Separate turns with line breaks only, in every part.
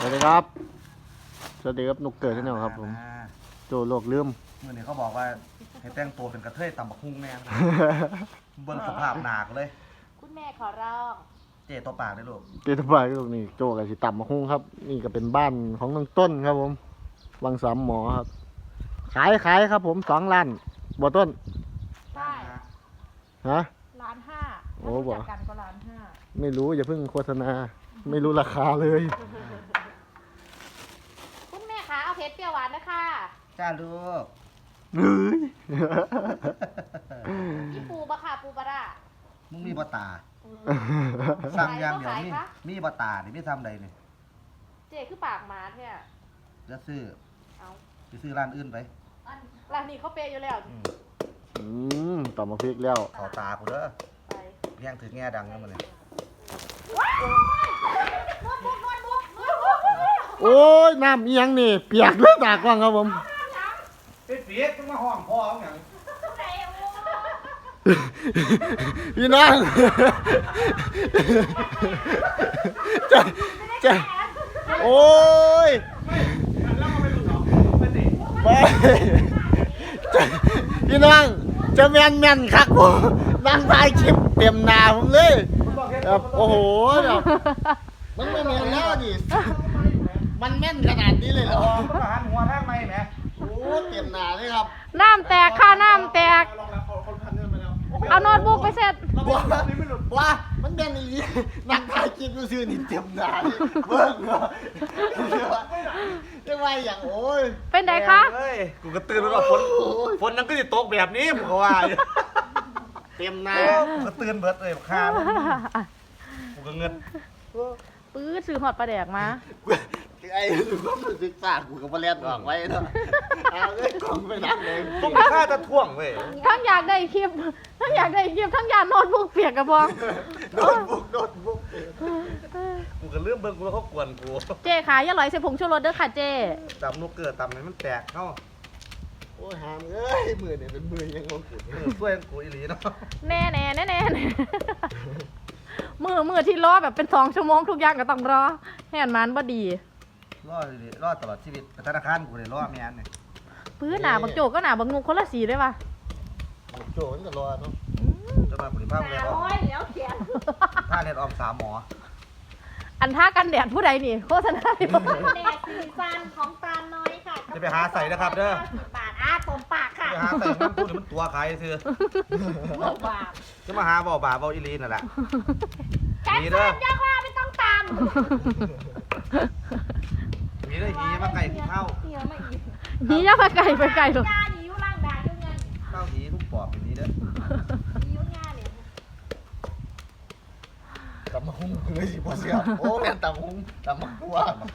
สวัสดีครับสวัสดีครับนุกเกิดที่ไหนครับผมโจโลกลืม
เมื่อนี้เขาบอกว่าให้แต่งตัวเป็นกระเทยตำบักหุ่งแน่นะเบิ่งสภาพหนักเลย
คุณแม่ขอร้อง
เจ๊ตัวปากได้ลูก
เกิดบ่ายลูกนี่โจกับสิต่ำมาคุ้งครับนี่ก็เป็นบ้านของน้องต้นครับผมวังสามหมอครับขายครับผม2 ล้านบ่ต้น
ใช่
ฮะ
1,500,000โอ้บอกกันก็1,500,000
ไม่รู้อย่าเพิ่งโฆษณาไม่รู้ราคาเลย
คุณแม่คะเอาเพชรเปรี้ยวหวานนะคะ
จ้าลูก
เฮ้ย
มีปูบะค่ะปูบะระ
มึงมีบะตาสั่งอย่างเดียวมีบะตานี่ไม่ทำใดนี่
เจ๊คือปากหมาแท้
จะซื้อ
เอา
ไปซื้อร้านอื่นไป
ร้านนี้เขาเปย์อยู่แล้ว
ต่อมาพริกแล้ว
ขอตากูเด้อเพียงถือแง่ดังนั่นมันเลย
โอ้ยน้ำเอียงนี่เปียกเลยตากล้องครับผม
เป็นเปียกต้องมาห้องพ่อเขาอย่าง
พี่น้องจะโอ้ยไปพี่น้องจะแม่นคักผมนั่งถ่ายคลิปเต็มหน้าผมเลยแบบโอ้โหแบบมันไม่แม่นแล้วดิมันแม่นขนาดนี้เลยเหรอ
มันหันหัวทางไหมแหม
โอ้เต็มหน้าเลยครับ
น้ำแตกค่ะน้ำแตกเอาโน้ตบุ๊กไปเสร็จ
ว่ามันแม่นอีนั่งถ่ายคลิปดูซื่อนี่เต็มหน้าเลยเบิ่งเหรอจะว่าอย่างโอ้ย
เป็นไงคะ
เฮ้ยกูก็ตื่นแล้วว่าฝนนั่นก็จะตกแบบนี้ผมก็ว่า
เต็มหน้า
กูก็ตื่นเบิดเลยข้ากูก็เงิน
ปื้อซื้อหอดปลาแดกมา
ไอ้หรือว่ามันศึกษากูกับมาเล่นออกไว้เนาะเอาเลยกล่องไปนั่งเลย
ต้องฆ่าจะท่วงเว้ย
ทั้งอยากได้คลิปทั้งอยากโน้ตบุ๊กเปียกกระบอง
โน้ตบุ๊ก
กูก็เรื่องเบิ่งกูแล้วเขากวนกู
เจ๊ขายอย่าลอยใส่ผงชูรสเด้อค่ะเจ๊
ตำนกเกิดตำไหนมันแตกเนาะ
โอ้ยหามเอ้ยมือเนี่ยเป็นมือยังงงกู
ช่วยกูอีหลีเนาะ
แน่มือที่รอแบบเป็น2 ชั่วโมงทุกอย่างก็ต้องรอแห่นมันบ่ดี
รอดตลอดชีวิตธนาคารกูเลยรอดแม่นเนี่ย
ปื้อหนาบักโจก็หนาบักงูคนละสีด้วยป่ะ
โจนี่ก็รอเนาะ
จะมาบริภาคแล้ว
แล้วเขียน
ท่าเรียนออม3 หมอ
อันท่ากันแดดผู้ใดนี่โฆษณาดิ
แดดสีฟันของตาลน้อยค่ะ
จะไปหาใส่นะครับเด้อ
ปากตมปากค่ะ
ไปหาใส่มันพูดมันตัวใครซื้อจะมาหาบ่บ่าบ่อีลีนั่นแหละ
แค่เส้นยกว่าไม่ต้องตาม
มีได้หีมาไก่เข้า
หีย่ามาไก่ไปไก่
ถูกหียุ่งล่างด่ายุ่งเงิน
เข้าหีทุกปอบอย่างนี้เด้อ
หียุ่งงานเนี่ย
ตำมะฮุ่งเลยสิพ่อเสียโอ้แม่นตำมะฮุ่งตำมะทั่ว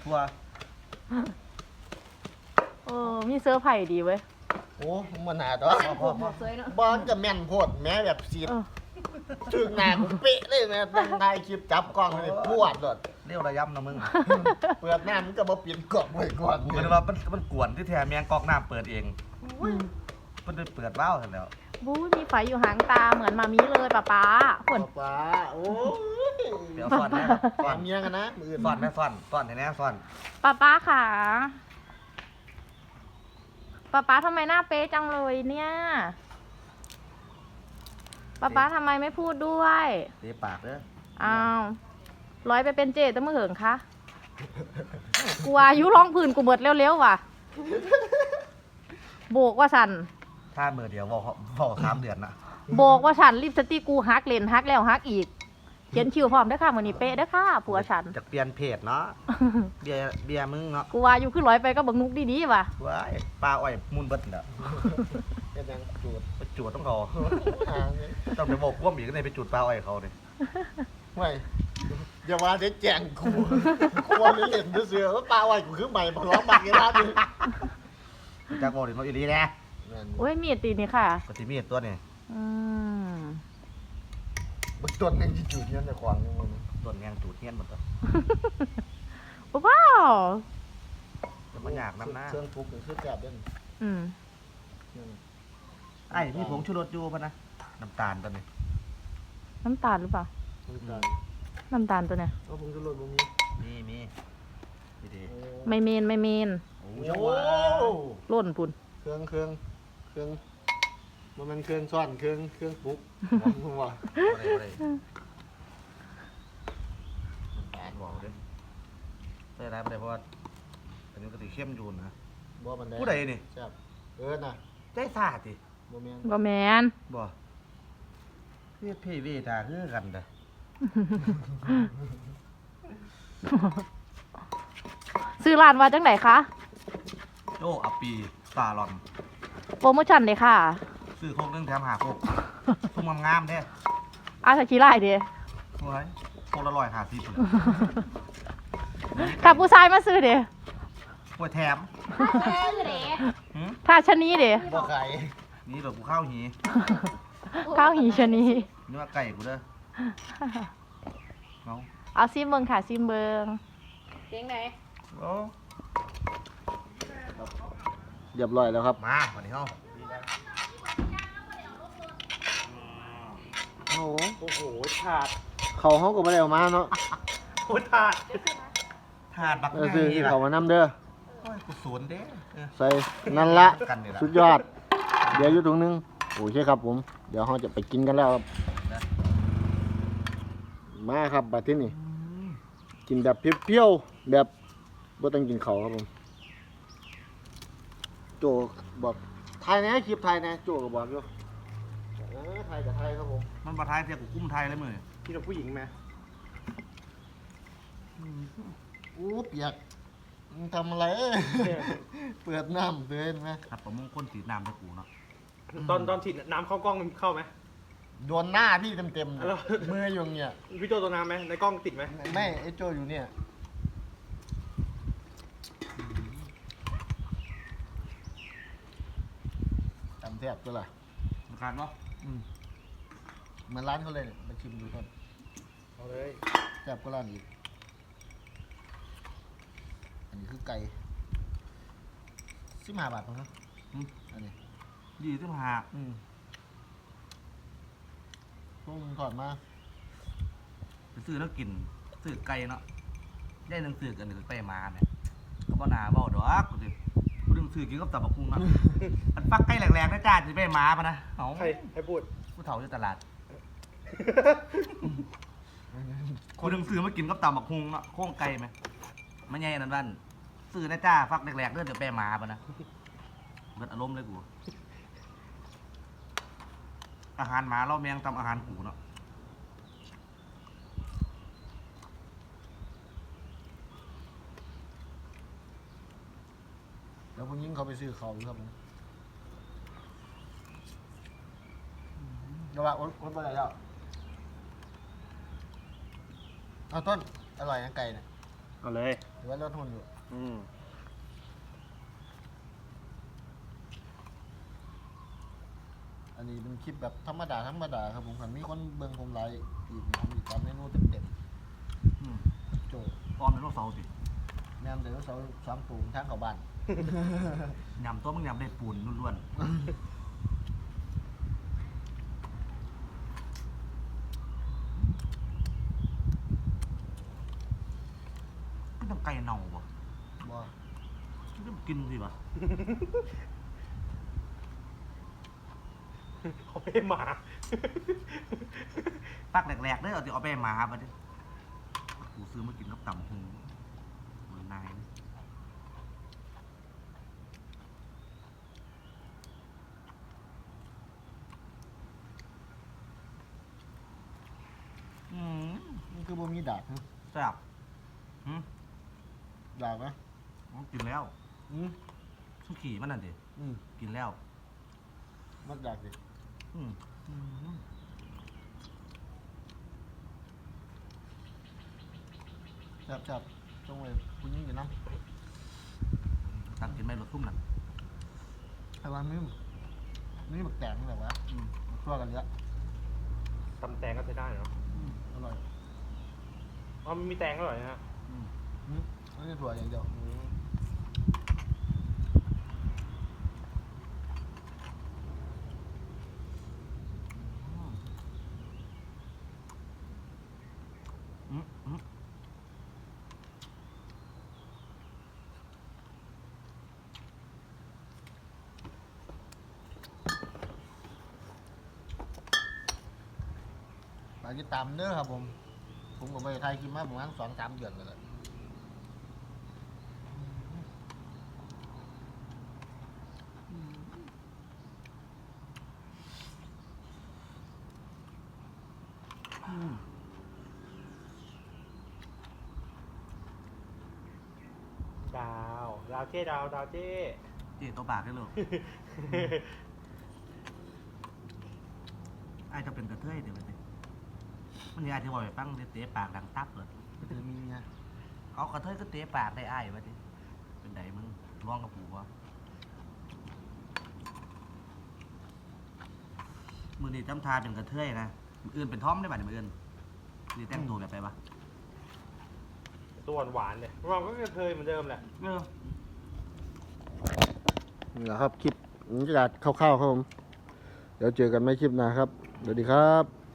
โอ้มีเสื้อไผ่ดีเว้ย
โอ้มันหนาตัวบอลจะแม่นโพดแม้แบบสีถึงหนากูเป๊ะเลยแม่ตั้งได้คลิปจับกล้องเลยพวดเลย
เรียวระยำนะมึง
เปิดน้ำมันก็มาเปลี่ยนกล่องไว้ก่อน
มันว่ามันกวนที่แท้แมงกอกน้ำเปิดเองมันเปิดว้าวเสร็จแล้ว
บู๊มีไฟอยู่หางตาเหมือนมามีเลยป้าฝน
ป้าโอ้
เดี๋ยวฟอนนะ
ฟอนเมียกันนะมือ
ฟอนนะฟอนเห็นไหมฟอน
ป้าค่ะป้าทำไมหน้าเป๊ะจังเลยเนี่ยป้าทำไมไม่พูดด้วย
เตะปากเด้อ
อ้าวร้อยไปเป็นเจตั้งเมื่อเหิงคะกูอายุร้องผื่นกูเบิดเร็วๆว่ะโบกว่าสัน
ถ้ามือเดียวบอก3 เดือนนะ
โบกว่าฉันรีบสติกูฮักเลนฮักแล้วฮักอีกเขียนคิวพร้อมได้ค่ะมือนี้เป๊ะได้ค่ะผัวฉัน
จะเปลี่ยนเพจเนาะเบียมึงเนาะ
กูอายุขึ้นร้อยไปก็บังนุกดีๆว่ะ
ว้ายปลาอ้อยมุนเบิดเนาะ
เป็นยัง
จูดต้องเขาต้องไปบอกว่ามีกันในไปจูดปลาอ้อยเขาเลย
ไม่อย่าว่าได้แจงกูว่าเล่นเสือว่าปลาอ้อยกูคือใหม่มาร้องบักยังไง
จากโมดิโมอีลีนะ
โอ้ยมีดตีนี่ค่ะ
ปฏิมีดตัวนี้
มันต้นยังจูดเงี้ยในควางนี่มัน
ต้นยังจูดเงี้ยหมดตัว
ว้าว
จะมาอยากน้ำหน้า
เครื่องปรุงเครื่องจับด้วย
ไอ้มีผงชูรสอยู่ป่ะนะน้ำตาลตัวนี้
น้ำตาลหรือเปล่าน้ำตาลตัวเนี้ย
ผงชูรสมี
มีดี
ไม่เมน
โอ้
โอ้
ล่นพุ่น
เครื่องมันเครื่องซ่อนเครื่องปลุกผมว่า
อะไรแอนบอกเลยได้ไรไม่ได้เพราะว่าอันนี้ก็ติเข้มอยู่นะ
บ่มันได้
ผู้ใดนี่
แซ่บน่ะ
ใจสาดดิ
บ่แม่น
บ่แมน
บ่พี่เวทาคือกันเด้อ
ซื้อร้านว่าจังไหนคะ
โจอัปปีซาลอน
โปรโมชั่นเลยค่ะ
ซื้อโคกนึงแถมหาโคกทุ่มงามๆเด้
อาสกีไล่เด้
โอ้ยโคกละ150เลย
ถ้าผู้ชายมาซื้อเด้
โอ้ยแถม
ชื่อเด็ก
หืม
ถ้าชะนีเด้
บ่ไข่
นี่เดี๋ยวกูเข้าหี
ข้าวหีชะนี
นี่ว่าไก่กูเด้อเอา
เอาซิมเบิงค่ะซิมเบิง
เสียงไหน
โอ้
เรียบร้อยแล้วครับ
มาวันนี้เฮา
โอ้โห
โอ้โหถาด
เขาเฮาก็บ่ได้เอามาเนาะ
โอ้ถาด
ถาดบัก
เออ
ไง
ซื้อ
ล่ะ
เขามานำเด้อ
โอ้ยกูสวนเด้เออ
ใส่นั่นละ
กันนี่ล่ะ
สุดยอด เดี๋ยวอยู่ตรงนึงโอเคครับผม เดี๋ยวเราจะไปกินกันแล้วครับ มาครับบัดที่นี่กินแบบเปรี้ยวๆแบบบ่ต้องกินเขาวครับผม โจบอกไทยนะคลิปไทยนะโจก็บอกอยู่ไทยกับไทยครับผม
มันบ่ทายเสียกูกุ้มไทยเลยมื้อนี้
พี่กับผู้หญิงไหม
อู้เปียกมึงทำอะไร เปิดน้ำเตือนไหม
ครับประมงคลสีน้ำให้กูเนาะ
ตอนฉีดน้ำเข้ากล้องมันเข้าไหม
โดนหน้าพี่เต็มๆ
แล้ว
มืออยู่เนี่ย
พี่โจตัวน้ำไหมในกล้องติดไหม
ไม่ไอ้โจอยู่เนี่ยตำแทบตัวละ
มันขาดเนาะ
เหมือนร้านเขาเลยเนี่ยมาชิมดูก่อน
เอาเลย
แซ่บก็ร้านอีกอันนี้คือไก่15 บาทมั้งอันนี้
ดีที่มาหา
พวกมึงถอดมา
ไปซื้อแล้วกินซื้อไก่เนาะได้หนังสือกันหนึ่งไปมาเนี่ยก็บ่น่าเว้าดอกกูสิกูดึงซื้อกินกับตับบักหุ่งเนาะมันปักไก่แหลกๆนะจ้าสิไปมาปะนะเอ้า
ใครพูด
ผู้เฒ่าอยู่ตลาดกูดึงซื้อมากินกับตับบักหุ่งเนาะโค้งไก่ไหมมันใหญ่นั่นบ้านซื้อนะจ้าฟักแหลกๆเด้อเดี๋ยวไปมาปะนะเบิดอารมณ์เลยกูอาหารหมาเราแมงตำอาหารกูเนาะ
แล้วพวกยิงเขาไปซื้อเขาอยู่ครับผมเดี๋ยวว่าอดไปไหนแล้วเอาต้นอร่อยนะไก่เนี่ย
เอาเลย
หรือว่าลดทุนอยู่ อันนี้เป็นคลิปแบบธรรมดาครับผมคันมีคนเบิ่งผมไลฟ์อีกผมอีกตามเมนูเต็ม
อืม
ๆโจ
ตอนเป็นโรคเสาสิ
แม่นเดี๋ยวเสาสามตูงทางเข้าบ้าน
ยำตัวมึงยำได้ปูนล้วนๆไม่ต้องไก่เน่าบ่
บ่
ไม่ต้องกินสิบ่
เขาไม่มา
ปักแหลกๆเด้อเอาสิเอาไปให้หมาบัดนี้กูซื้อมากินกับตำหงมันนายนะอืม
มันคือบ่มีดาบนะ
แซ่บหืม
ดาบนะ
กินแล้ว
อืม
สุขี่มันนั่นดิ
อืม
กินแล้ว
มัดดาบดิ
อืม
จับตรงเลยคุณยิงอยู่น้
ตักกินไม่รสทุ่มนั่น
ำไอ้วันนี่บักแตงนี่แหละวะมาตัวกันเยอะ
ตำแตงก็ใช้ได้เนาะ
อร่อย
อ๋อมันมีแตงอร่อยนะฮะ
ไม่ใช่ถั่วอย่างเดียวฝากติดตามเด้อครับผมก็ไปถ่ายคลิปมาประมาณ2-3 เดือนแล้วแหละ
ดาวเจ้ดาวเจ้
เจ๊ตัวปากได้ลูกไอ้จะเป็นกระเทยเดี๋ยวไปสิมันนี่อาจจะบอกไปฟังเตะปากดังตับเลย
ก็คือมีเนี่ย
เอากระเทยก็เตะปากได้อ้ายวะดิเป็นไดมึงร้องกับปู่วะมือนี่จำทาเป็นกระเทยนะมืออื่นเป็นท่อมได้ป่ะเนี่ยมืออื่นนี่แต่งตัวแบบไปปะ
ตัวหวานเลยเราก็เคยเหมือนเดิมแหละ
นี่แหละครับคลิปบรรยากาศคร่าวๆครับผมเดี๋ยวเจอกันไม่คลิปหน้าครับสวัสดีครับ